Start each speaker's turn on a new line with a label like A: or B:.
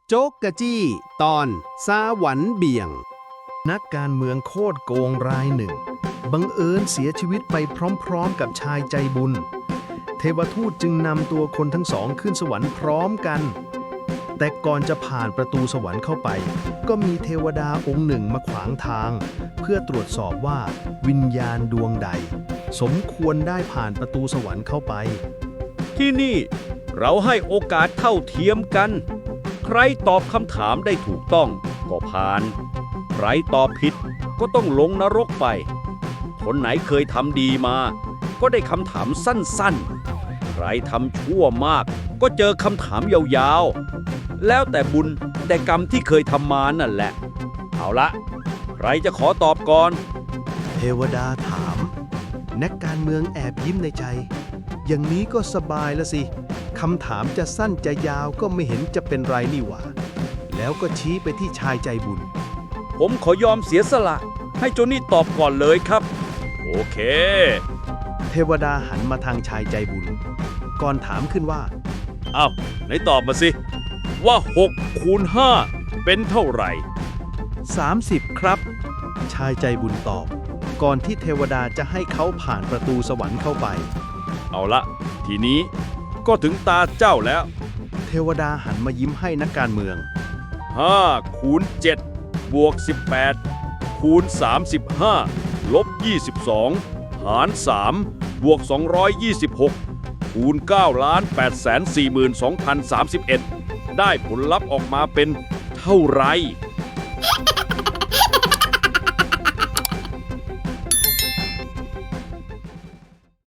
A: โจ๊กกะจี้ตอนซาหวันเบี่ยง
B: นักการเมืองโคตรโกงรายหนึ่งบังเอิญเสียชีวิตไปพร้อมๆกับชายใจบุญ เทวทูตจึงนำตัวคนทั้งสองขึ้นสวรรค์พร้อมกัน แต่ก่อนจะผ่านประตูสวรรค์เข้าไป ก็มีเทวดาองค์หนึ่งมาขวางทาง เพื่อตรวจสอบว่าวิญญาณดวงใด สมควรได้ผ่านประตูสวรรค์เข้าไป
C: ที่นี่เราให้โอกาสเท่าเทียมกัน ใครตอบคำถามได้ถูกต้องก็ผ่าน ใครตอบผิดก็ต้องลงนรกไป คนไหนเคยทำดีมา ก็ได้คำถามสั้นๆ ใครทำชั่วมากก็เจอคำถามยาวๆ แล้วแต่บุญแต่กรรมที่เคยทำมานั่นแหละ เอาละใครจะขอตอบก่อน
B: เทวดาถาม นักการเมืองแอบยิ้มในใจ อย่างนี้ก็สบายละสิ คำถามจะสั้นจะยาวก็ไม่เห็นจะเป็นไรนี่หว่า แล้วก็ชี้ไปที่ชายใจบุญ
C: ผมขอยอมเสียสละให้โจนี่ตอบก่อนเลยครับ โอเค
B: เทวดาหันมาทางชายใจบุญ ก่อนถามขึ้นว่า
C: อ้าวไหนตอบมาสิ ว่า6คูณ5เป็นเท่าไหร่
B: 30 ครับ ชายใจบุญตอบ ก่อนที่เทวดาจะให้เขาผ่านประตูสวรรค์เข้าไป
C: เอาละทีนี้ก็ถึงตาเจ้าแล้ว
B: เทวดาหันมายิ้มให้นักการเมือง
C: 5คูณ7บวก18คูณ35ลบ22หาร3บวก226คูณ9,842,031ได้ผลลัพธ์ออกมาเป็นเท่าไหร่